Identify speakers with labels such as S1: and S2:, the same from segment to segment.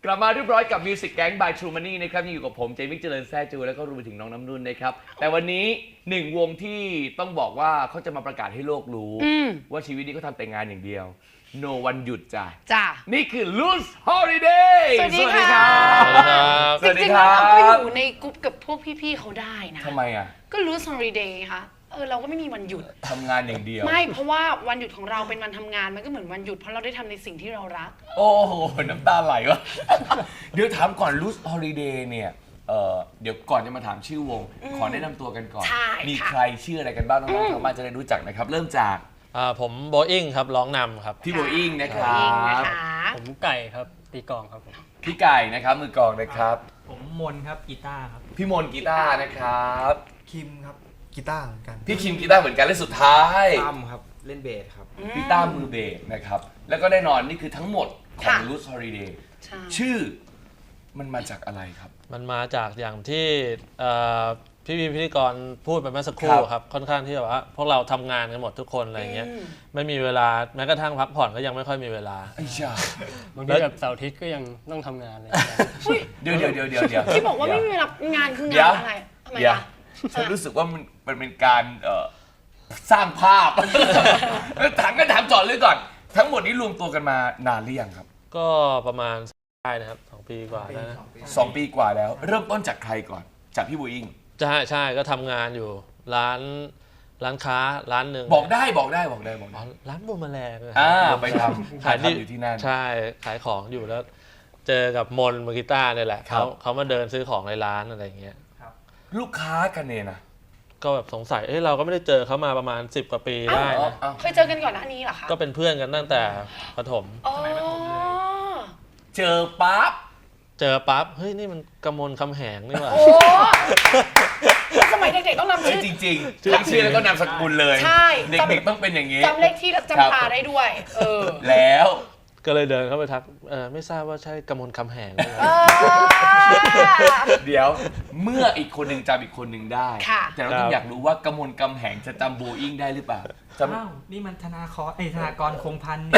S1: กลับมาเรียบร้อยกับ Music Gang by True Money นะครับยังอยู่กับผมเจมิกเจริญแซ่จูแล้วก็รวมไปถึงน้องน้ำนุ่นนะครับแต่วันนี้หนึ่งวงที่ต้องบอกว่าเขาจะมาประกาศให้โลกรู้ว่าชีวิตนี้เขาทำแต่งานอย่างเดียว no วันหยุดจ้ะนี่คือ Loose Holiday
S2: สวัสดีครับ
S1: สวัสดีครับ
S2: จริงๆเราก็อยู่ในกลุ่มกับพวกพี่ๆเขาได้นะ
S1: ทำไมอ่ะ
S2: ก็ Loose Holiday ค่ะเราก็ไม่มีวันหยุด
S1: ทำงานอย่างเดียว
S2: ไม่เพราะว่าวันหยุดของเราเป็นวันทำงานมันก็เหมือนวันหยุดเพราะเราได้ทำในสิ่งที่เรารัก
S1: โอ้โหน้ำตาไหลวะ เดี๋ยวถามก่อน Loose Holiday เนี่ยเดี๋ยวก่อนจะมาถามชื่อวงขอแนะนำตัวกันก่อนมีใครชื่ออะไรกันบ้างน้องๆทางบ้านจะได้รู้จักนะครับเริ่มจาก
S3: ผมโบอิงครับร้องนำครับ
S1: พี่โบอิงนะครับ
S4: ผมไก่ครับตีกลองครับผม
S1: พี่ไก่นะครับมือกลองนะครับ
S4: ผมมนครับกีตาร์ครับ
S1: พี่มนกีตาร์นะครับ
S5: คิมครับกีตาร์เหมือนกัน
S1: พี่คิมกีตาร์เหมือนกันและสุดท้าย
S5: ตั้มครับเล่นเบสครับ
S1: พี่ตั้มมือเบสนะครับแล้วก็แน่นอนนี่คือทั้งหมดของ Loose Holiday ชื่อมันมาจากอะไรครับ
S3: มันมาจากอย่างที่พี่พิธีกรพูดไปเมื่อสักครู่ครับค่อนข้างที่แบบว่าพวกเราทำงานกันหมดทุกคนอะไรเงี้ยไม่มีเวลาแม้กระทั่งพักผ่อนก็ยังไม่ค่อยมีเวลา
S1: ไอ้ชา
S4: บางทีแบบเสาร์อาทิตย์ก็ยังต้องทำงานเลย
S1: เดี๋ยว
S2: ที่บอกว่าไม่มีเวลางานคืองานอะไรทำไมล่ะ
S1: ฉันรู้สึกว่ามันเป็นการสร้างภาพถามจอดเลยก่อนทั้งหมดนี้รวมตัวกันมานานหรือยังครับ
S3: ก็ประมาณได้นะครับ2 ปีกว่าแล้วนะ
S1: 2 ปีกว่าแล้วเริ่มต้นจากใครก่อนจากพี่โบอิง
S3: ใช่ก็ทำงานอยู่ร้านค้าร้านหนึ่ง
S1: บอกได้
S3: ร้านบูมแมลง
S1: ไปทำขายอยู่ที่นั่น
S3: ใช่ขายของอยู่แล้วเจอกับมนมือกีตาร์นี่แหละเขามาเดินซื้อของในร้านอะไรเงี้ย
S1: ลูกค้ากันเนี่ยนะ
S3: ก็แบบสงสัยเราก็ไม่ได้เจอเขามาประมาณ10 กว่าปีได้นะ
S2: เคยเจอกันก่อนหน้านี้เหรอคะ
S3: ก็เป็นเพื่อนกันตั้งแต่ประถม
S2: สมัยประถมเลย
S1: เจอปั๊บ
S3: เฮ้ยนี่มันกมลคำแหงนี่หว่า
S2: โอ้สมัยเด็กๆต้องนำชื่อ
S1: จริงๆทั้งชื่อแล้วก็นามสกุลเลย
S2: ใช่
S1: เด็กๆต้องเป็นอย่างนี้
S2: จำเลขที่จำพาได้ด้วย
S1: แล้ว
S3: ก็เลยเดินเข้าไปทักไม่ทราบว่าใช่กมลคำแหงไหม
S1: เดี๋ยวเมื่ออีกคนหนึ่งจำอีกคนหนึ่งได้แต่เราต้องอยากรู้ว่ากมลคำแหงจะจำโบอิงได้หรือเปล่า
S4: นี่มันธนากรคงพันธ์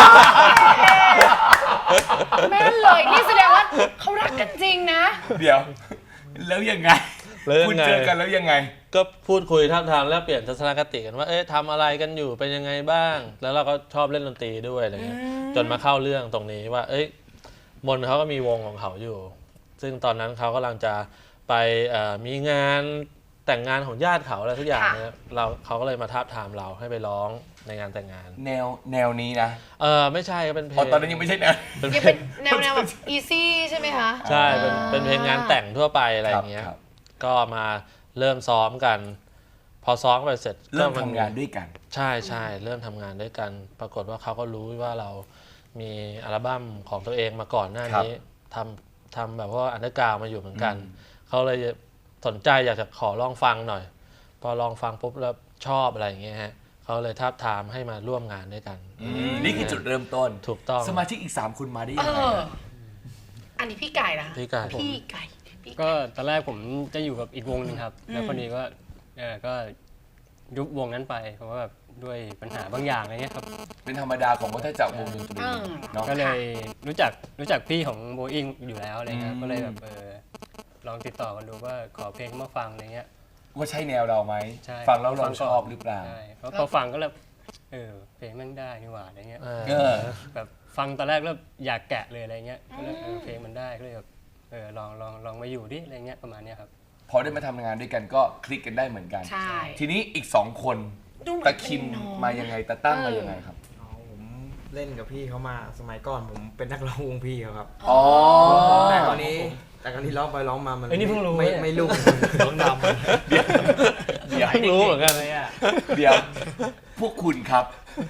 S2: แม่นเลยนี่แสดงว่าเขารักกันจริงนะ
S1: เดี๋ยวแล้วยังไงคุณเจอกันแล้วยังไง
S3: ก็พูดคุยท่ามทางแลกเปลี่ยนทัศนคติกันว่าทำอะไรกันอยู่เป็นยังไงบ้างแล้วเราก็ชอบเล่นดนตรีด้วยอะไรเงี้ยจนมาเข้าเรื่องตรงนี้ว่ามนเขาก็มีวงของเขาอยู่ซึ่งตอนนั้นเขากำลังจะไปมีงานแต่งงานของญาติเขาอะไรทุกอย่างเนี่ยเขาก็เลยมาทาบทามเราให้ไปร้องในงานแต่งงาน
S1: แนวนี้นะ
S3: ไม่ใช่ก็เป็นเพลง
S1: ตอนนั้นยังไม่ใช่แนว
S2: ยังเป็นแนวแบบอีซี่ใช่ไหมคะ
S3: ใช่เป็นเพลงงานแต่งทั่วไปอะไรอย่างเงี้ยก็มาเริ่มซ้อมกันพอซ้อมไปเสร็จ
S1: เริ่มทำงานด้วยกัน
S3: ใช่เริ่มทำงานด้วยกันปรากฏว่าเขาก็รู้ว่าเรามีอัลบั้มของตัวเองมาก่อนหน้านี้ทำแบบว่าอันเดอร์กราวด์มาอยู่เหมือนกันเขาเลยสนใจอยากจะขอลองฟังหน่อยพอลองฟังปุ๊บแล้วชอบอะไรอย่างเงี้ยฮะเขาเลยทาบทามให้มาร่วมงานด้วยกัน
S1: นี่คือจุดเริ่มต้น
S3: ถูกต้อง
S1: สมาชิกอีก3 คนมาได้ยังไง
S2: อันนี้พี่ไก่นะ
S3: พี่ไก่
S4: ก็ตอนแรกผมจะอยู่กับอีกวงนึงครับแล้วคนนี้ก็ยุบวงนั้นไปเพราะว่าแบบด้วยปัญหาบางอย่างอะไรเงี้ยครับ
S1: เป็นธรรมดาของวัฏจักรวงดนตรี
S4: ก็เลยรู้จักพี่ของโบอิงอยู่แล้วอะไรเงี้ยก็เลยแบบลองติดต่อกันดูว่าขอเพลงมาฟังอะไรเงี้ย
S1: ว่าใช่แนวเราไหมฟังแล้วเราชอบหรือเปล่า
S4: ใช่เพราะพอฟังก็แบบเพลงมันได้นี่หว่าอะไรเงี้ยแบบฟังตอนแรกแล้วอยากแกะเลยอะไรเงี้ยก็เลยเพลงมันได้ก็เลยแบบลองมาอยู่ดิอะไรเงี้ยประมาณเนี้ยครับ
S1: พอได้มาทำงานด้วยกันก็คลิกกันได้เหมือนกันทีนี้อีก2 คนตะคิมมายังไงตะตั้งมายังไงครับ
S5: ผมเล่นกับพี่เขามาสมัยก่อนผมเป็นนักร้องวงพี่เขาครับแต่ตอนนี้ร้องไปร้องมามัน
S4: นี่เพิ่งรู้
S5: ไม่รู้ร้องดำ
S3: เดี๋ยวรู้เหมือนกันเลย
S1: เดี๋ยวพวกคุณครับ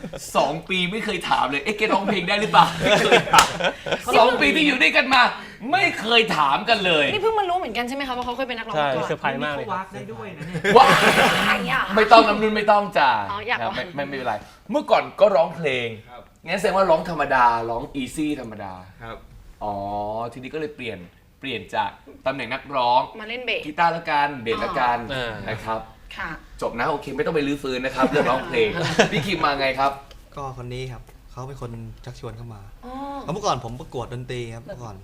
S1: 2 ปีไม่เคยถามเลยแกร้องเพลงได้หรือเปล่าไม่เคยถาม2 ปีที่อยู่ด้วยกันมาไม่เคยถามกันเลย
S2: นี่เพิ่งมารู้เหมือนกันใช่ไหมคะว่าเขาเคยเป็นนักร้อง
S4: มาก่อนเซอร์ไพรส์มากเลย
S5: วักได้ด้วยนะเนี่ย
S1: ว้าไม่ต้องน้ำนุ่นไม่ต้องจ้าไม่เป็นไรเมื่อก่อนก็ร้องเพลงงั้นแสดงว่าร้องธรรมดาร้องอีซี่ธรรมดา
S5: ครับ
S1: ทีนี้ก็เลยเปลี่ยนจากตำแหน่งนักร้อง
S2: มาเล่นเบส
S1: กีตาร์ละกันเบสละกันนะครับจบนะโอเคไม่ต้องไปรื้อฟื้นนะครับเรื่องร้องเพลงพี่คิมมาไงครับ
S5: ก็คนนี้ครับเขาเป็นคนชักชวนเข้ามาเมื่อก่อนผมประกวดดนตรีครับเมื่อก่อน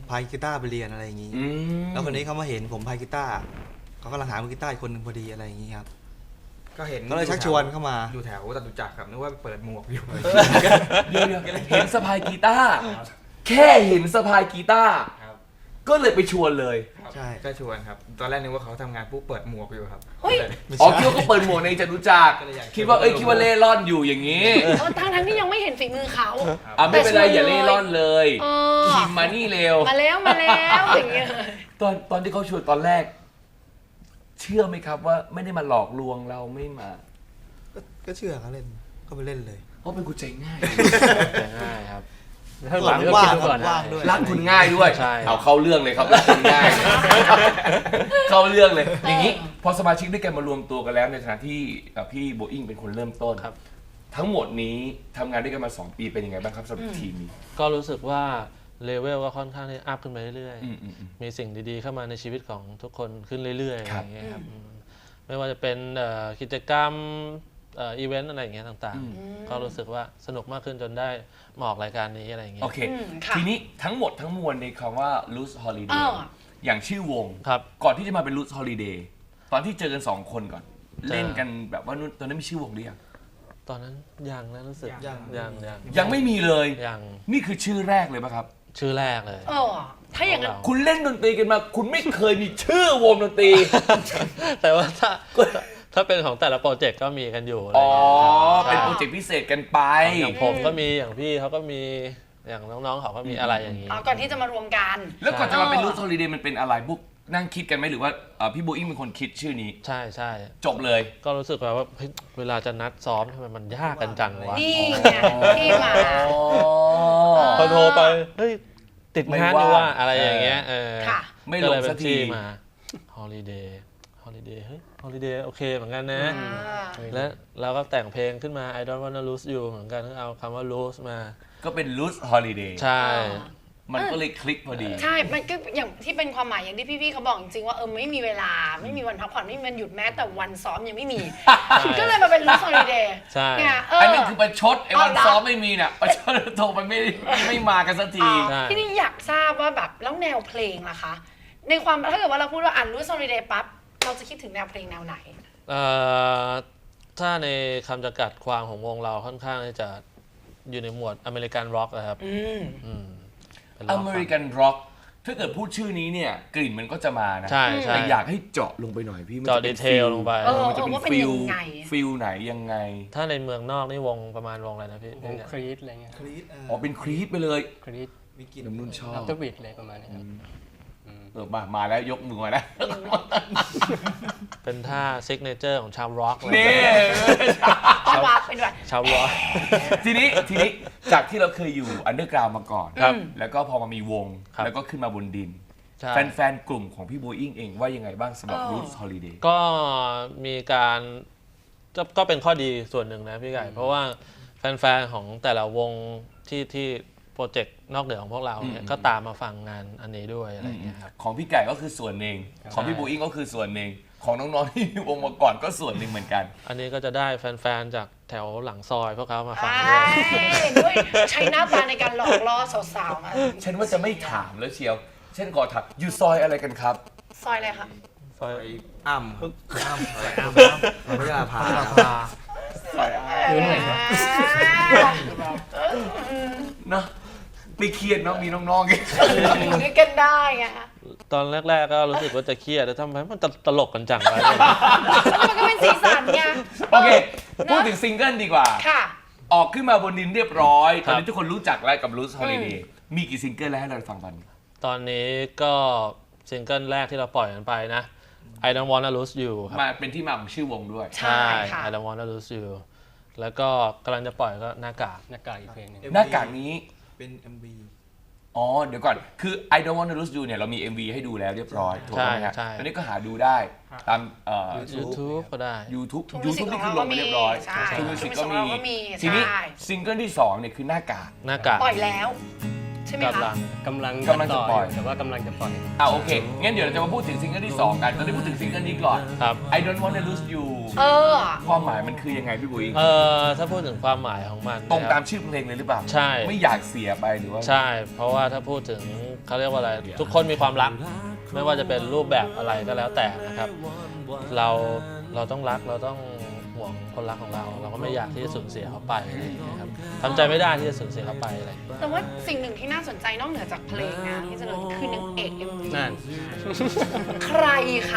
S6: พายกีตาร์ไปเรียนอะไรอย่างนี้ แล้วคนนี้เขามาเห็นผมพายกีตาร์เขากำลังหามือกีตาร์อีกคนหนึ่งพอดีอะไรอย่างนี้ครับ
S5: ก็เห็น
S6: ก็เลยชักชวนเข้ามา
S5: อยู่แถวจตุจักรครับนึกว่าเปิดหมวกอยู่
S1: เดี๋ยวเห็นสะพายกีตาร์แค่เห็นสะพายกีตาร์
S5: ครับ
S1: ก็เลยไปชวนเลย
S6: ใช่
S5: ก็ชวนครับ ตอนแรกนึกว่าเขาทำงานปุ๊บเปิดหมวกอยู่ครับ
S2: เฮ้ย
S1: อ๋อคิดว่าเขาเปิดหมวกในจตุจักรคิดว่าคิดว่าเล่ร่อนอยู่อย่างนี้
S2: ทั้งที่ยังไม่เห็นฝีมือเขา
S1: อ่ะไม่เป็นไรอย่าเล่ร่อนเลย
S2: เออ
S1: คิมมานี่เร็ว
S2: มาแล้วอย่างเงี้ย
S1: ตอนที่เขาชวนตอนแรก เชื่อไหมครับว่าไม่ได้มาหลอกลวงเราไม่มา
S6: ก็เชื่อเขาเล่นก็ไปเล่นเลย
S1: เพราะเป็นคนใจง่าย
S3: ง่ายครับ
S4: ถ้าหลังก็
S6: ว่า
S4: คิด
S6: ง
S4: ดูก่อน
S6: ว่าง
S4: นะ
S6: ด้วย
S1: รักคุณง่ายด้วย
S3: ใช่
S1: เอาเข้าเรื่องเลยครับรักคุณง่าย เข้าเรื่องเลย อย่างนี้พอสมาชิกด้วยกันมารวมตัวกันแล้วในฐานะที่พี่โบอิงเป็นคนเริ่มต้น
S3: ครับ
S1: ทั้งหมดนี้ทำงานด้วยกันมา 2 ปีเป็นยังไงบ้างครับสำหรับทีมนี้
S3: ก็รู้สึกว่าเลเวลก็ค่อนข้างที่อัพขึ้นไปเรื่อย
S1: อืม
S3: ๆ มีสิ่งดีๆเข้ามาในชีวิตของทุกคนขึ้นเรื่อยๆ
S1: ครับ
S3: อย่างเงี้ยครับไม่ว่าจะเป็นกิจกรรมอีเวนต์อะไรอย่างเงี้ยต่างๆ ก็รู้สึกว่าสนุกมากขึ้นจนได้มาออกรายการนี้อะไรอย่างเงี้
S1: โอย เค
S2: ค่ะ
S1: ทีนี้ทั้งหมดทั้งมวลในคำว่า loose holiday อย่างชื่อวง
S3: ครับ
S1: ก่อนที่จะมาเป็น loose holiday ตอนที่เจอกัน 2 คนก่อน
S3: เจอ
S1: เล่นกันแบบว่าตอนนั้นมีชื่อวงหรือยัง
S3: ตอนนั้นยังนะรู้สึก
S6: ยัง
S1: ยังไม่มีเลย
S3: ยัง
S1: นี่คือชื่อแรกเลยป่ะครับ
S3: ชื่อแรกเลย
S2: ถ้าอย่างนั้น
S1: คุณเล่นดนตรีกันมา คุณไม่เคยมีชื่อวงดนตรี
S3: แต่ว่าถ้าเป็นของแต่ละโปรเจกต์ก็มีกันอยู่อะไร
S1: อ๋อ
S3: อย่างเงี้ยครับ
S1: เป็นโปรเจกต์พิเศษกันไป
S3: อย่างผมก็มีอย่างพี่เขาก็มีอย่างน้องๆเขาก็มีอะไรอย่างนี้
S2: ก่อนที่จะมารวมกัน
S1: แล้วก่อนจะมาเป็น loose holiday มันเป็นอะไรพวกนั่งคิดกันไหมหรือว่าพี่โบอิงเป็นคนคิดชื่อนี้
S3: ใช่ใช่
S1: จบเลย
S3: ก็รู้สึกว่าเฮ้ยเวลาจะนัดซ้อมทำไมมันยากกันจังวะ
S2: นี่ไงที่มา
S3: พอโทรไปเฮ้ยติดงานอยู่ว่า
S1: ไม่ว่าง
S3: อะไรอย่างเงี้ย
S2: ค่ะ
S1: ไม่
S3: ก็
S1: ล
S3: เล
S1: ง
S3: ยเป็
S1: สัก
S3: น
S1: ที
S3: ที่มาฮอลิเดย์เฮ้ยฮอลิเดย์โอเคเหมือนกันนะ และเราก็แต่งเพลงขึ้นมา I don't wanna lose you เหมือนกันก็เอาคำว่า lose มา
S1: ก็เป็น loose holiday
S3: ใช่
S1: มันก็เลยคลิกพอดี
S2: ใช่ มันก็อย่างที่เป็นความหมายอย่างที่พี่ๆเขาบอกจริงๆว่าไม่มีเวลาไม่มีวันพักผ่อนไม่มีวันหยุดแม้แต่วันซ้อมยังไม่มี ก็เลยมาเป็น loose holiday
S3: ใช่
S2: เนี่ย
S1: อันนั้นคือประชดไอ้วัน
S2: เอาละ
S1: ซ้อมไม่มีเนี่ยประชดโทรไปไม่มากันสักที
S3: ใช่
S2: ที่นี่อยากทราบว่าแบบแล้วแนวเพลงล่ะคะ ในความถ้าเกิดว่าเราพูดว่าloose holiday ปั๊บเราจะคิดถึงแนวเพลงแนวไหน
S3: ถ้าในคำจำกัดความของวงเราค่อนข้างที่จะอยู่ในหมวดอเมริกันร็อกนะครับเป็นร็
S1: อ
S3: อก
S1: เมริกันร็อกถ้าเกิดพูดชื่อนี้เนี่ยกลิ่นมันก็จะมานะ
S3: ใช่ใช่
S1: แต่อยากให้เจาะลงไปหน่อยพี่มัน
S3: เจาะ
S1: จะเป็น
S3: ดีเทลลงไป
S1: มันจะเป็น
S2: ว่าเป็น
S1: ฟิล
S2: ยังไง
S1: ฟิลไหนยังไง
S3: ถ้าในเมืองนอกนี่วงประมาณวงอะไรนะพี่
S4: วงครีดอะไรเงี้ย
S6: คลีต
S1: อ๋อเป็นครีปไปเลย
S4: ครีด
S6: มีกลิ่น
S1: น้ำนุ่นชอ
S4: อั
S1: บ
S4: ลเทอร์บิทอะไรประมาณนี้ครับ
S1: มาแล้วยกมือมานะ
S3: เป็นท่าซิกเนเจอร์ของชาวร็อกเลย
S1: นี่
S2: ต้องวางเป็นแบบ
S3: ชาวร็อก
S1: ทีนี้จากที่เราเคยอยู่อันเดอร์กราวมาก่อน
S3: ครับ
S1: แล้วก็พอมามีวง
S3: ครับ
S1: แล้วก็ขึ้นมาบนดิน
S3: ใช่
S1: แฟนๆ กลุ่มของพี่โบอิงเองว่ายังไงบ้างสำหรับ Roots Holiday
S3: ก็มีการก็เป็นข้อดีส่วนหนึ่งนะพี่ไก่เพราะว่าแฟนๆของแต่ละวงที่โปรเจกต์นอกเหนือของพวกเราเนี่ยก็ตามมาฟังงานอันนี้ด้วยอะไรอย่างเงี้ยครับ
S1: ของพี่ไก่ก็คือส่วนหนึ่งของพี่โบอิงก็คือส่วนหนึ่งของน้องๆที่มีวงมาก่อนก็ส่วนหนึ่งเหมือนกัน
S3: อันนี้ก็จะได้แฟนๆจากแถวหลังซอยพวกเขามาฟัง
S2: ใช่
S3: ด้วย
S2: ด้วยใช้หน้าตาในการหลอกล่อสาวๆมา
S1: ฉันว่าจะไม่ถามแล้วเชียวเช่นก่อนถามอยู่ซอยอะไรกันครับ
S2: ซอยอะไรคะ
S3: ซอย
S5: ไปอ้ำครับอ้ำพระยาพา
S1: เนาะไม่เครียดเนาะมีน้องๆ
S2: อยู่ด้วยกันได้ไง
S3: ตอนแรกๆก็รู้สึกว่าจะเครียดแต่ทำไมมันตลกกันจังวะ
S2: มันก็เป็นสีสันไง
S1: โอเค พูดถึงซิงเกิลดีกว่า
S2: ค่ะ
S1: ออกขึ้นมาบนดินเรียบร้อย
S3: ค
S1: ต
S3: รั
S1: อบ นนี้ทุกคนรู้จักแล้วกับ Roots Holiday มีกี่ซิงเกิลแล้วให้เราฟังตอนนี้
S3: ตอนนี้ก็ซิงเกิลแรกที่เราปล่อยกันไปนะ I don't wanna lose you ครับ
S1: มาเป็นที่มาของชื่อวงด้วย
S2: ใช่ค่ะ
S3: I don't wanna lose you แล้วก็กำลังจะปล่อยก็หน้ากาก
S4: หน้ากากอีกเพลงหนึง
S1: หน้ากากนี้
S6: เป็น MV
S1: อ๋อ เดี๋ยวก่อน คือ I don't wanna lose you เนี่ยเรามี MV ให้ดูแล้วเรียบร้อยถูกไหมฮะ
S3: ใช่
S1: ตอนนี้ก็หาดูได้ตาม
S3: YouTube ก็ได้
S1: YouTube
S2: True
S1: YouTube
S2: Music
S1: นี่คือลงมาเรียบร้อย
S2: ใช่
S1: True Music ก็
S2: True Music
S1: มี
S2: ของเราก็มี
S1: ทีนี้
S2: ใช่
S1: ซิงเกิลที่ 2เนี่ยคือหน้ากาก
S3: หน้ากาก
S2: ปล่อยแล้ว เธช่ไหม
S3: กำลั
S2: คะ
S3: ง
S4: กำลัง
S1: จะปล่อย
S4: แต่ว่ากำลังจะปล่อย
S1: โอเค งั้นเดี๋ยวเราจะมาพูดถึงซิงเกิลที่ 2 กัน ตอนนี้พูดถึงซิงเกิลนี้ก่อน
S3: ครับ
S1: I don't wanna lose you ความหมายมันคือยังไงพี่บุ๋ย
S3: ถ้าพูดถึงความหมายของมัน
S1: ตรง
S3: นะค
S1: ตา
S3: รั
S1: ม
S3: บ
S1: ชื่อเพลงเลยหรือเปล่า
S3: ใช่
S1: ไม่อยากเสียไปหรือว่า
S3: ใช่ เพราะว่าถ้าพูดถึงเขาเรียกว่าอะไร ทุกคนมีความรัก ไม่ว่าจะเป็นรูปแบบอะไรก็แล้วแต่นะครับ เราต้องรักเราต้องห่วงคนรักของเรา เราก็ไม่อยากที่จะสูญเสียเขาไปอะไรอย่างเงี้ยครับทำใจไม่ได้ที่จะสูญเสียเขาไปอะไรอย่างเงี้ย
S2: แต่ว่าสิ่งหนึ่งที่น่าสนใจนอกเหนือจากเพลงนะที่เจริญคือนางเอก MV
S4: นั่น
S2: ใครคะ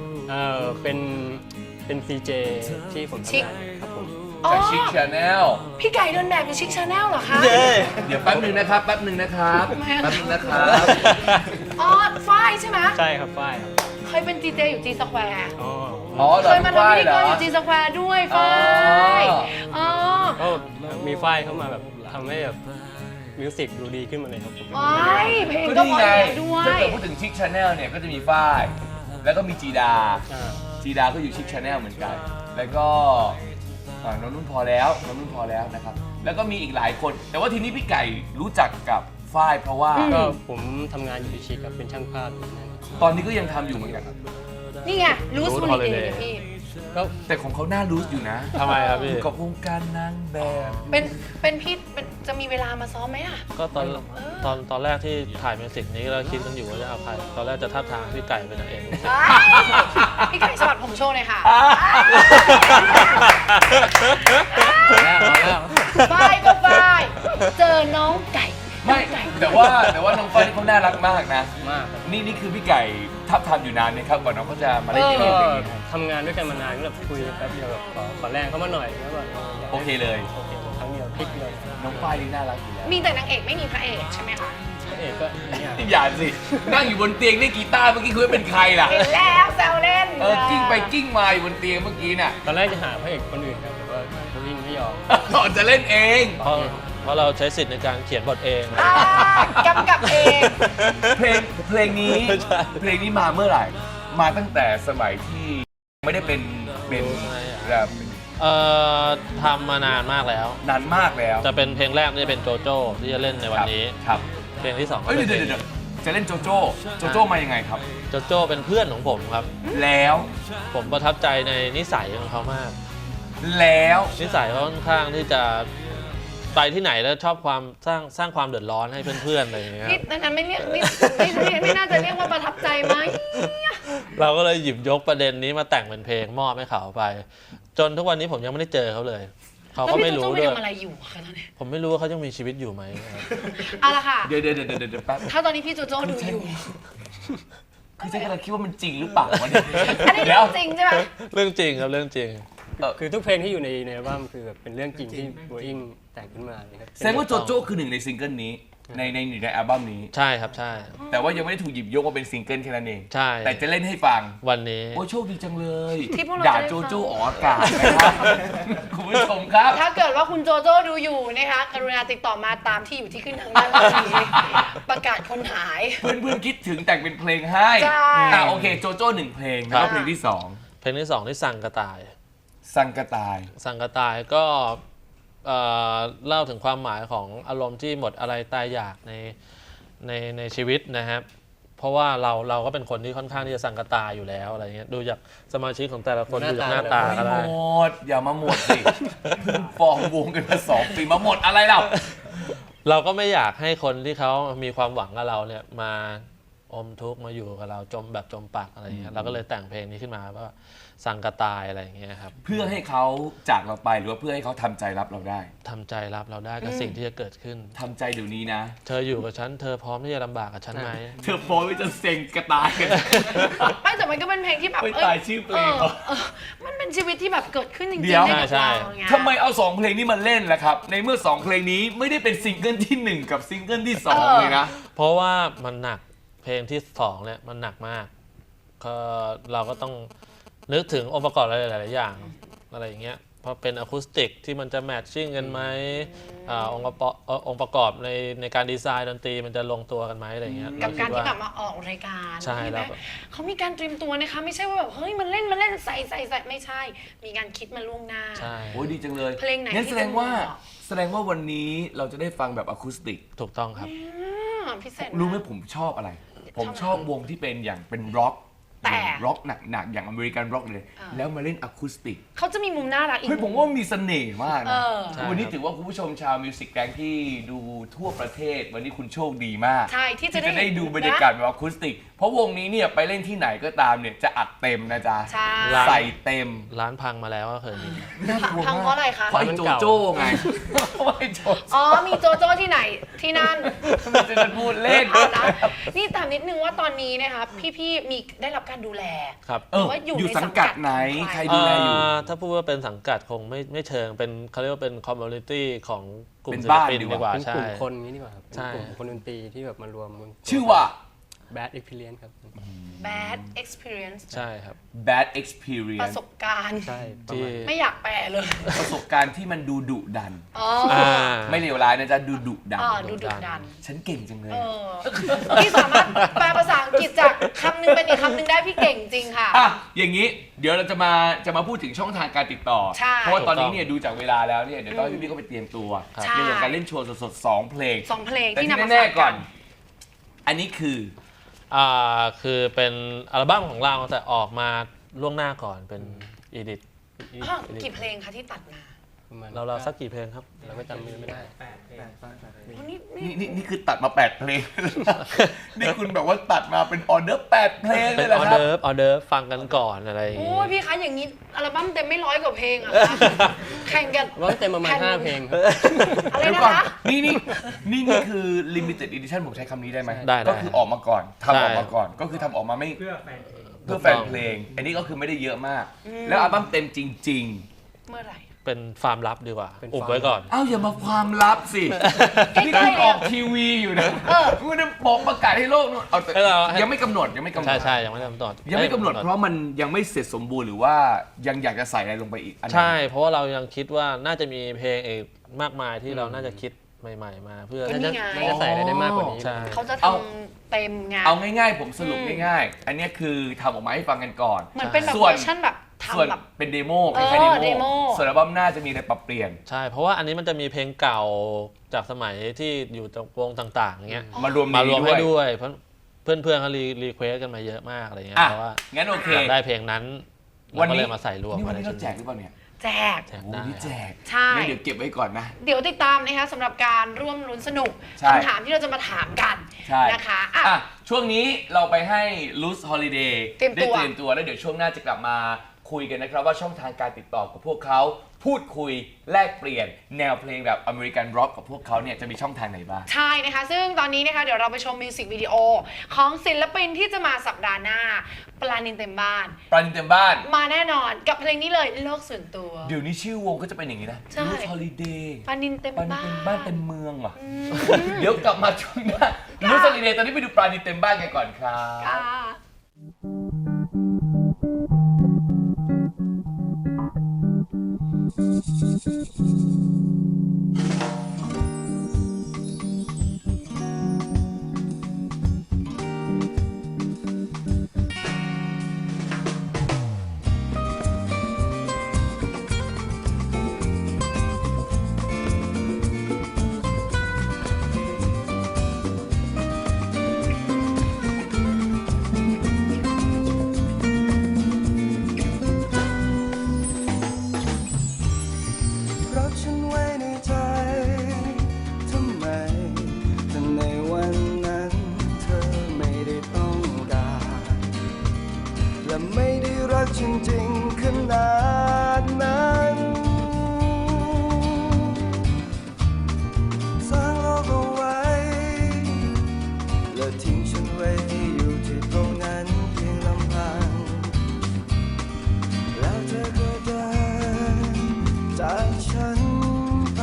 S4: เป็นซีเจที่ผม
S2: ชิค
S4: ทำงานครับผม
S2: อ๋อ
S1: จากชิคชาแนล
S2: พี่ไก่เดินแบบเป็นชิคชาแนลเหรอคะ
S1: เดี๋ยวแป๊บหนึ่งนะครับ แป๊บหนึ่งนะครับ
S2: ทำไมอะ
S1: แป๊บหนึ่งนะครับ
S2: อ๋อฝ้ายใช่ไหม
S4: ใช่ครับฝ้ายครับ
S2: เคยเป็นจีเจอยู่จีสแควร์
S4: อ๋อ
S1: อ๋อ
S2: เคยมาทำพิธีกรอยู่
S1: จี
S2: จีสแควร์ด้วยฝ้ายอ๋อ
S4: ก็มีฝ้ายเข้ามาแบบทำให้แบบมิวสิกดูดีขึ้นมาเลยครับผม
S2: ว้ายเพลง
S1: ก็
S2: ก็
S1: นี่
S2: เพอ
S1: ไง
S2: ดีด้วย
S1: ถ้าเกิดพูดถึงชิคชาแนลเนี่ยก็จะมีฝ้าย แล้วก็มีจีดา
S4: อ่า
S1: จีดาก็อยู่ชิคชาแนลเหมือนกัน แล้วก็น้องนุ่นพอแล้วน้องนุ่นพอแล้วนะครับ แล้วก็มีอีกหลายคน แต่ว่าทีนี้พี่ไก่รู้จักกับฝ้ายเพราะว่า
S4: ก็ผมทำงานอยู่ที่ชิคครับเป็นช่างภาพอยู่นั่น
S1: ตอนนี้ก็ยังทำอยู่เหมือนกัน
S2: นี่ไงรู้สุด
S3: Loose
S2: เลย
S3: Holiday
S2: พี่
S4: ก็
S1: แต่ของเขาหน้ารู้อยู่นะ
S3: ทำไมครับพี่
S1: อยู่กับวงการนางแบบ
S2: เป็นพี่จะมีเวลามาซ้อมไหมอ่ะ
S3: ก็ตอนแรกที่ถ่ายมิวสิกนี้เราคิดกันอยู่ว่าจะเอาใครตอนแรกจะทับทางพี่ไก่เป็นนางเอก
S2: พี่ไก่สวัสดิ์ผมโชว์เลยค่ะฝ้ายก็ฝ้ายเจอน้องไก่
S1: ไม่แต่ว่าน้องฝ้ายนี่เขาน่ารักมากนะ
S4: มากครับ
S1: นี่คือพี่ไก่ทับทำอยู่นานนะครับก่อนน้องเขาจะมาเล่นเก
S4: ก็
S1: มอย่างนี้
S4: ทำงานด้วยกันมานานก็แบบคุยแป๊บเดียวแบบขอแรงเขามาหน่อยแล้วแบบ
S1: โอเคเลย
S4: โอเคครั้งเดียวพลิกเลย
S1: น้องฝ้ายนี่น่ารักอยู่แล้ว
S2: มีแต่นางเอกไม่มีพระเอกใช่ไหมคะ
S4: พระเอกก็เนี่ย
S1: อย่าสินั่งอยู่บนเตียงได้กีตาร์เมื่อกี้คุณว่าเป็นใครล่ะ
S2: เห็นแล้วแซวเล่น
S1: กิ้งไปกิ้งมาอยู่บนเตียงเมื่อกี้น่ะ
S4: ตอนแรกจะหาพระเอกคนอื่นครับแต่ว่าเขาวิ่งไม่ยอม
S1: จะเล่นเอง
S3: เพราะเราใช้สิทธิ์ในการเขียนบทเอง
S2: กำกับเอง
S1: เพลงนี้มาเมื่อไหร่ มาตั้งแต่สมัยที่ไม่ได้เป็นแบบ
S3: ทำมานานมากแล้ว
S1: นานมากแล้ว
S3: จะเป็นเพลงแรกนี่จะเป็นโจโจ้ที่จะเล่นในวันนี้
S1: ครับ
S3: เพลงที่สองก็
S1: เอ้ย
S3: เป็น
S1: เดี๋ยวจะเล่นโจโจ้มายังไงครับ
S3: โจโจ้เป็นเพื่อนของผมครับ
S1: แล้ว
S3: ผมประทับใจในนิสัยของเขามาก
S1: แล้ว
S3: นิสัยเขาค่อนข้างที่จะไปที่ไหนแล้วชอบความสร้างความเดือดร้อนให้เพื่อนๆอะไรอย่างเงี้ย
S2: นี่นั้นไม่เรียกไม่น่าจะเรียกว่าประทับใจไหม
S3: เราก็เลยหยิบยกประเด็นนี้มาแต่งเป็นเพลงมอบให้เขาไป จนทุกวันนี้ผมยังไม่ได้เจอเขาเลย เขา
S2: แล้ว
S3: ก็
S2: พี่
S3: ไม่
S2: โจ
S3: รู้
S2: โจ้ไป
S3: ด้วย
S2: ทำอะไรอยู่คะตอนนี้
S3: ผมไม่รู้ว่าเขายังมีชีวิตอยู่ไหมครับ
S2: เอาละค่ะ
S1: เดี๋ยวแป๊บ
S2: ถ้าตอนนี้พี่โจโจ้ดูอยู่
S1: คือฉันกำลังคิดว่ามันจริงหรือเปล่าวะเนี่ย
S2: อันนี้เรื่องจริงใช่ไหม
S3: เรื่องจริงครับเรื่องจริง
S4: คือทุกเพลงที่อยู่ในอัลบั้มคือแบบเป็นเรื่องจริงที่โบอิงแต่งขึ้นมาเลยครับ
S1: แสดงว่าโจโจ้คือหนึ่งในซิงเกิลนี้ในอัลบั้มนี้
S3: ใช่ครับใช่
S1: แต่ว่ายังไม่ได้ถูกหยิบยกมาเป็นซิงเกิลแค่นั้นเอง
S3: ใช่
S1: แต่จะเล่นให้ฟัง
S3: วันนี้
S1: โอ้ยโชคดีจังเลย
S2: ที่พวกเรา
S1: ด่า
S2: จะได้
S1: โจ
S2: ฟัง
S1: โจ้ออกอากาศนะครับ คุณผู้ชมครับ
S2: ถ้าเกิดว่าคุณโจโจ้ดูอยู่นะคะกรุณาติดต่อมาตามที่อยู่ที่ขึ้นทางด้านล่างนี้ประกาศคนหาย
S1: เพื่อนๆคิดถึงแต่งเป็นเพลงให้
S2: ใช่
S1: โอเคโจโจ้หนึ่งเพลงแล้วก็เพลงที่สอง
S3: เพลงที่สองที่สั่งกระต่าย
S1: สังกะตาย
S3: สังกระต่ายก็เล่าถึงความหมายของอารมณ์ที่หมดอะไรตายอยากในชีวิตนะครับ เพราะว่าเราก็เป็นคนที่ค่อนข้างที่จะสังกะตายอยู่แล้วอะไรเงี้ยดูจากสมาชิกของแต่ละคนดูจากหน้าตาก็ได้
S1: ไม่หมดอย่ามาหมดสิ ฟองวงกันมา2 ปีมาหมดอะไรเรา
S3: เราก็ไม่อยากให้คนที่เขามีความหวังกับเราเนี่ยมาอมทุกข์มาอยู่กับเราจมปักอะไรเงี้ยเราก็เลยแต่งเพลงนี้ขึ้นมาว่าสังกะตายอะไรอย่างเงี้ยครับ
S1: เพื่อให้เขาจากเราไปหรือว่าเพื่อให้เขาทำใจรับเราได้
S3: ทำใจรับเราได้กับสิ่งที่จะเกิดขึ้น
S1: ทำใจเดี๋ยวนี้นะ
S3: เธออยู่กับฉันเธอพร้อมที่จะลำบากกับฉันไหม
S1: เธอพร้อมที่จะเซ็งกระตายกัน
S2: ไม่แต่มันก็เป็นเพลงที่แบบ
S1: ไม่ตายชื่อเพลงเหรอ
S2: มันเป็นชีวิตที่แบบเกิดขึ้นจริงๆ
S1: เดี๋ยว
S2: ในกับเราไง
S1: ทำไมเอา2เพลงนี้มาเล่นล่ะครับ ในเมื่อ2เพลงนี้ไม่ได้เป็นซิงเกิลที่ 1 กับซิงเกิลที่ 2 เลยนะ
S3: เพราะว่ามันหนักเพลงที่สองเนี่ยมันหนักมากก็เราก็ต้องนึกถึงองค์ประกอบอะไรหลายๆอย่างอะไรอย่างเงี้ยเพราะเป็นอะคูสติกที่มันจะแมทชิ่งกันไหมองค์ประกอบในการดีไซน์ดนตรีมันจะลงตัวกันไหมอะไรอย่างเงี้ย
S2: กับการ
S3: เคิด
S2: ที่
S3: ว่า
S2: แบบมาออกรายการ
S3: ใช่
S2: ไหม
S3: แล้ว
S2: เขามีการเตรียมตัวนะคะไม่ใช่ว่าแบบเฮ้ยมันเล่นใส่ไม่ใช่ มีการคิดมาล่วงหน้า
S3: ใช่
S1: โอ้ยดีจังเลย
S2: เพลงไหน
S1: งั้น
S2: ที่
S1: แสดงว่า
S2: จะเหมาะ
S1: วันนี้เราจะได้ฟังแบบอะคูสติก
S3: ถูกต้องครับ
S2: ความพิเศษ
S1: รู้ไหมผมชอบอะไร ผมชอบวงที่เป็นอย่างเป็นร็อก
S2: แต่
S1: ร็อกหนักๆอย่างอเมริกันร็อกเลย แล้วมาเล่นอะคูสติก
S2: เขาจะมีมุมน่ารักอีก
S1: เฮ้ยผมว่ามีเสน่ห์มาก
S2: เอ
S1: นะ
S2: อ
S1: วันนี้ถือว่าคุณผู้ชมชาวมิวสิกแกงที่ดูทั่วประเทศ วันนี้คุณโชคดีมาก
S2: ใช่ที่จะ
S1: ได้ดูบรรยากาศแบบอะคูสติก เพราะวงนี้เนี่ยไปเล่นที่ไหนก็ตามเนี่ยจะอัดเต็มนะจ๊ะ
S2: ใช่
S1: ใส่เต็ม
S3: ร้านพังมาแล้วก็เคยมี
S2: พังเพราะอะไรคะ
S1: เพราะไอ้โจโจ้ไงเพราะไอ้โจโจ้
S2: อ๋อ มีโจโจ้ที่ไหนที่นั่น
S1: มันจะพูดเล่น
S2: เอาละนี่ถามนิดนึงว่าตอนนี้นะคะพี่ๆมีได้รับการดูแล
S3: ครับ
S1: เออ
S2: ว่าอยู่
S1: อยู่
S2: ใน
S1: สังกัดไหน
S2: สังกัด
S1: ใครดูแลอยู่
S3: ถ้าพูดว่าเป็นสังกัดคงไม่เชิงเป็นเขาเรียกว่าเป็นคอมมูนิตี้ของกลุ่
S1: เป็
S3: ม
S1: น
S3: ศิล
S1: บ้าน
S3: ปิน
S1: ดี
S3: ดี
S1: ก
S3: ก
S1: ว่า
S3: ว่า
S4: เป็น
S3: ใช่
S4: กลุ่มคนนี้ดีกว่าครับ
S3: ใช่
S4: เป็นกลุ่มคนดนตรีที่แบบมารวม
S1: ชื่อว่า
S4: Bad Experience ครับ
S2: bad experience
S3: ใช่ครับ
S1: bad
S2: ประ
S1: experience
S2: สบการณ์
S4: ใช่ประ
S3: ที่
S4: มาณ
S2: ไม่อยากแปลเลย
S1: ประสบการณ์ที่มันดูดุดัน
S2: อ๋อ
S1: ไม่เลวร้ายนะจ๊ะดูดุดัน
S2: อ๋อดูดุดัน
S1: ฉันเก่งจังเลย
S2: เออพี่สามารถแปลภาษาอังกฤษจากคำหนึงเป็นอีกคำหนึงได้พี่เก่งจริงค่ะ
S1: อ่ะอย่างนี้เดี๋ยวเราจะมาพูดถึงช่องทางการติดต่อ
S2: ใช่
S1: เพราะว่าตอนนี้เนี่ยดูจากเวลาแล้วเนี่ยเดี๋ยวต้องให้พี่ๆเขาไปเตรียมตัว
S2: ใช่
S1: ในเรื่องการเล่นโชว์สดๆ2เพลง
S2: สองเพลง
S1: แต่
S2: ที่
S1: ที่
S2: นำมา
S1: แน่
S2: ฝาก
S1: ๆก่
S2: กั
S1: อน
S2: น
S1: อันนี้คือ
S3: คือเป็นอัลบั้มของเราแต่ออกมาล่วงหน้าก่อนเป็นอีดิท
S2: อ้าวกี่เพลงคะที่ตัดมา
S4: ประมาณ
S3: เราสักกี่เพลงครับ
S4: เราก็จำไม่ได้
S2: โอ้นี่
S1: นี่คือตัดมา8เพลง นี่คุณแบบว่าตัดมาเป็นออเดอร์8เพลงเล
S3: เป็
S1: ย
S3: น
S1: เหรอ
S3: ออ
S1: ครับ
S3: เดิร์ฟฟังกันก่อนอะไรอย่าง
S2: โอ้
S3: งี้
S2: ยพี่คะอย่างนี้อัลบั้มเต็มไม่100 กว่าเพลงอะคะแข่งกัน
S4: ว่าเต็มประมาณ 5 เพลงครับ
S2: อะไร
S1: เดี๋ยว
S2: นะ
S1: ก่อน
S2: คะ
S1: นี่คือ limited edition ผมใช้คำนี้ได้ไหม
S3: ได้
S1: ก็คือออกมาก่อนทำออกมา
S3: ใช่
S1: ก่อน ก็คือทำออกมาไม่
S5: เพื่อแฟน
S1: เพื่อแฟนเพลง อันนี้ก็คือไม่ได้เยอะมาก แล้วอัลบั้มเต็มจริง
S2: เมื่อไหร่
S3: เป็นฟาร์มลับดีกว่า
S4: เป็น
S3: อุบ
S4: ฟาร์ม
S3: ไว้ก่อน
S1: ๆ อ้าวอย่ามาความลับสิ นี่คุณออกทีวีอยู่นะคุณจะบอกประกาศให้โลกนู่นเอาแต่
S3: ให้เราให้
S1: ยังไม่กำหนด
S3: ใช่ยังไม่ได้กำหนด
S1: ยังไม่กำหนดเพราะมันยังไม่เสร็จสมบูรณ์หรือว่ายังอยากจะใส่อะไรลงไปอีกอันไหน
S3: ใช่ เพราะว่าเรายังคิดว่าน่าจะมีเพลงอีกมากมายที่เราน่าจะคิดใหม่ๆมาเพื่อ
S2: ก็นี่ไง
S4: ไม่ได้ใส่อะไรได้มากกว่านี้
S3: ใช่
S2: เขาจะทำเต็มไง
S1: เอาง่ายๆ ผมสรุปง่ายๆ อันเนี้ยคือทำออกมาให้ฟังกันก่อน
S2: เหมือนเป็นแบบ
S1: ส่วน
S2: เวอร์ชันแบบ
S1: ส่วน
S2: ทำแบบ
S1: เป็นเดโม
S2: เอ
S1: เป็น
S2: อ
S1: แค่เด
S2: เด
S1: โม
S2: โม
S1: ส่วนอัลบั้มหน้าจะมีอะไรปรับเปลี่ยน
S3: ใช่ เพราะว่าอันนี้มันจะมีเพลงเก่าจากสมัยที่อยู่ตรงวงต่างๆอย่างเงี้ย
S1: มารวม
S3: มารวมให้
S1: นี้
S3: ด้วยเพราะเพื่อนๆเขารีเควสกันมาเยอะมากอะไรเงี้ย
S1: อ่ะ
S3: เพราะว่า
S1: งั้นโอเค
S3: อยากได้เพลงนั้น
S1: วั
S3: เรา
S1: น
S3: ก็
S1: นี้
S3: เลยมาใส่รวม
S1: นี่วัน
S3: ใน
S1: นี้
S3: ชุ
S1: เรา
S3: ด
S1: แจกหรือเปล่าเนี่ย
S2: แจก
S3: แจก
S1: โอ้
S3: ได้
S1: นี่แจก
S2: ใช่
S1: งั้นเดี๋ยวเก็บไว้ก่อนนะ
S2: เดี๋ยวติดตามนะคะสำหรับการร่วมลุ้นสนุก
S1: ใช่
S2: คำถามที่เราจะมาถามกัน
S1: ใช่
S2: นะคะอ่ะ
S1: อ่ะช่วงนี้เราไปให้ Loose Holiday
S2: เตรียมตัว
S1: ได้เตรียมตัวแล้วเดี๋ยวช่วงหน้าจะกลับมาคุยกันนะครับว่าช่องทางการติดต่อกับพวกเขาพูดคุยแลกเปลี่ยนแนวเพลงแบบอเมริกันร็อกกับพวกเขาเนี่ยจะมีช่องทางไหนบ้าง
S2: ใช่นะคะ ซึ่งตอนนี้นะคะเดี๋ยวเราไปชมมิวสิกวิดีโอของศิลปินที่จะมาสัปดาห์หน้า ปลานินเต็มบ้าน
S1: ปราณินเต็มบ้าน
S2: มาแน่นอนกับเพลงนี้เลยโลกส่วนตัว
S1: เดี๋ยวนี้ชื่อวงก็จะเป็นอย่างนี้นะ
S2: ใช่
S1: Loose Holiday
S2: ปลานินเต็ม
S1: ปราณิน
S2: บ้าน
S1: เต็มบ้านเต็มเมืองว่ะเดี๋ยวกลับมาช่วงหน้า Loose Holiday ตอนนี้ไปดูปราณินเต็มบ้านกันก่อนครับ
S2: ค่ะ
S7: รักฉันไว้ในใจ ทำไมแต่ในวันนั้นเธอไม่ได้ต้องการ และไม่ได้รักจริงๆขนาดนั้นสร้างโลกเอาไว้ และทิ้งฉันไว้ให้อยู่ที่ตรงนั้นเพียงลำพัง แล้วเธอก็เดินจากฉันไป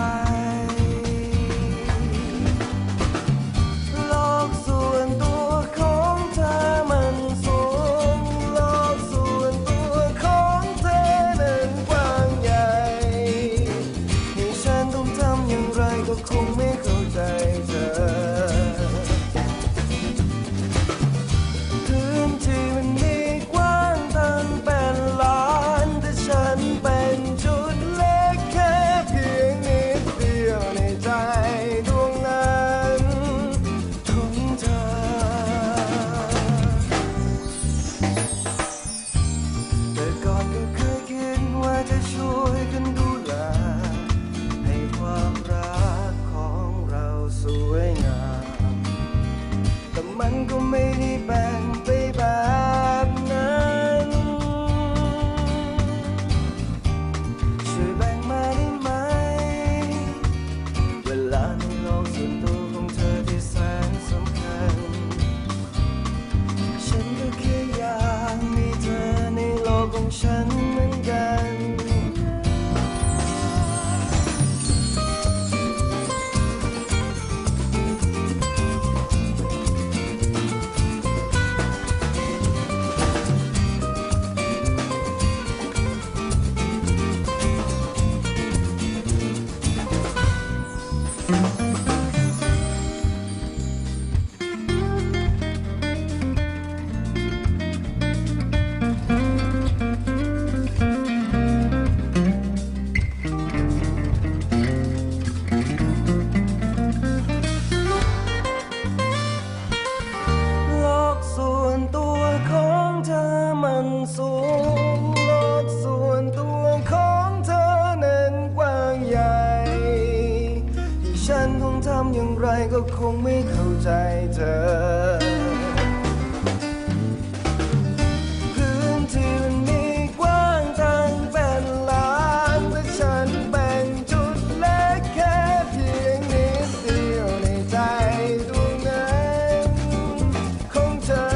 S7: โลกส่วนตัวของเธอมันสูง โลกส่วนตัวของเธอนั้นกว้างใหญ่ให้ฉันต้องทำอย่างไรก็คงไม่เข้าใจเธอมันก็ไม่ได้แบ่งไปแบบนั้นช่วยแบ่งมาได้ไหมเวลาในโลกส่วนตัวของเธอที่แสนสำคัญฉันก็แค่อยากมีเธอในโลกของฉันเหมือนกัน โลกส่วนตัวของเธอมันสูงโลกส่วนตัวของเธอนั้นกว้างใหญ่ที่ฉันคงทำอย่างไรก็คงไม่เข้าใจเธอพื้นที่มันมีกว้างตั้งเป็นล้านแต่ฉันแบ่งจุดเล็กแค่เพียงนิดเดียวในใจดวงนั้นของเธอ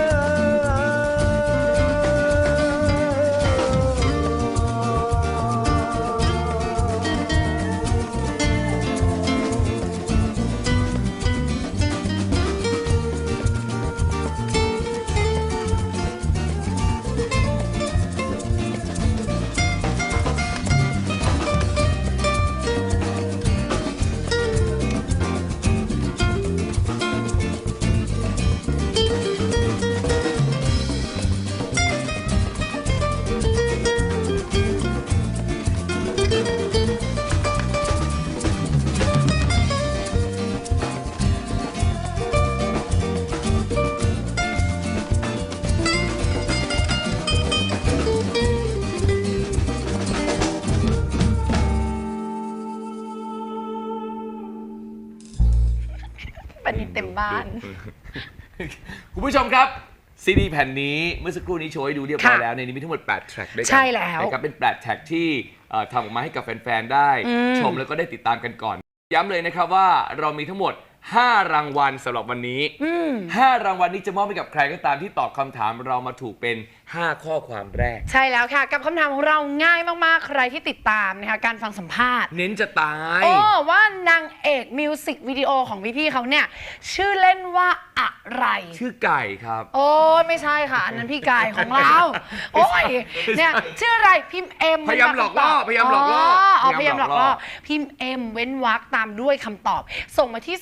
S2: ปนิดเต็มบ้าน
S1: คุณผู้ชมครับซีดีแผ่นนี้เมื่อสักครู่นี้โชว์ให้ดูเรียบร้อย
S2: ค่ะ
S1: แล้วในนี้มีทั้งหมด8แทร็กด้วยกั
S2: ใช่แล้ว
S1: นะครับเป็น8แทร็กที่ทำออกมาให้กับแฟนๆได้ชมแล้วก็ได้ติดตามกันก่อน ย้ำเลยนะครับว่าเรามีทั้งหมด5 รางวัลสำหรับวันนี้5 รางวัลนี้จะมอบให้กับใครก็ตามที่ตอบคำถามเรามาถูกเป็น5 ข้อความแรก
S2: ใช่แล้วค่ะ กับคำถามของเราง่ายมากๆ ใครที่ติดตามนะคะการฟังสัมภาษณ์
S1: เน้นจะตาย
S2: โอ้ว่านางเอกมิวสิกวิดีโอของพี่ๆเขาเนี่ย ชื่อเล่นว่าอะไร
S1: ชื่อไก่ครับ
S2: โอ้ยไม่ใช่ค่ะ อันนั้นพี่กายของเรา โอ้ยเนี่ยชื่ออะไรพิมพ์เอ็ม
S1: พยายามหลอกล่อพยายามหลอกล่อ
S2: พยายามหลอกล่อพิมพ์เอ็มเว้นวรรคตามด้วยคำตอบ ส่งมาที่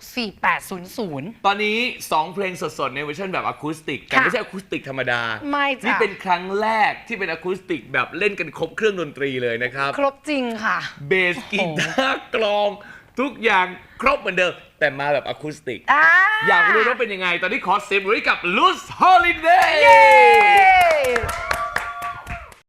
S2: 4764800
S1: ตอนนี้ 2 เพลงสดๆ ในเวอร์ชันแบบอะคูสติก แต่ไม่ใช่อะคูสติกธรรมดา
S2: ไม่จ้ะ
S1: นี่เป็นครั้งแรกที่เป็นอะคูสติกแบบเล่นกันครบเครื่องดนตรีเลยนะครับ
S2: ครบจริงค่ะ
S1: เบสกีตาร์กลอง ทุกอย่างครบเหมือนเดิม แต่มาแบบอะคูสติก อยากรู้ว่าเป็นยังไง ตอนนี้ขอเซฟไว้กับ Loose Holiday
S2: เย้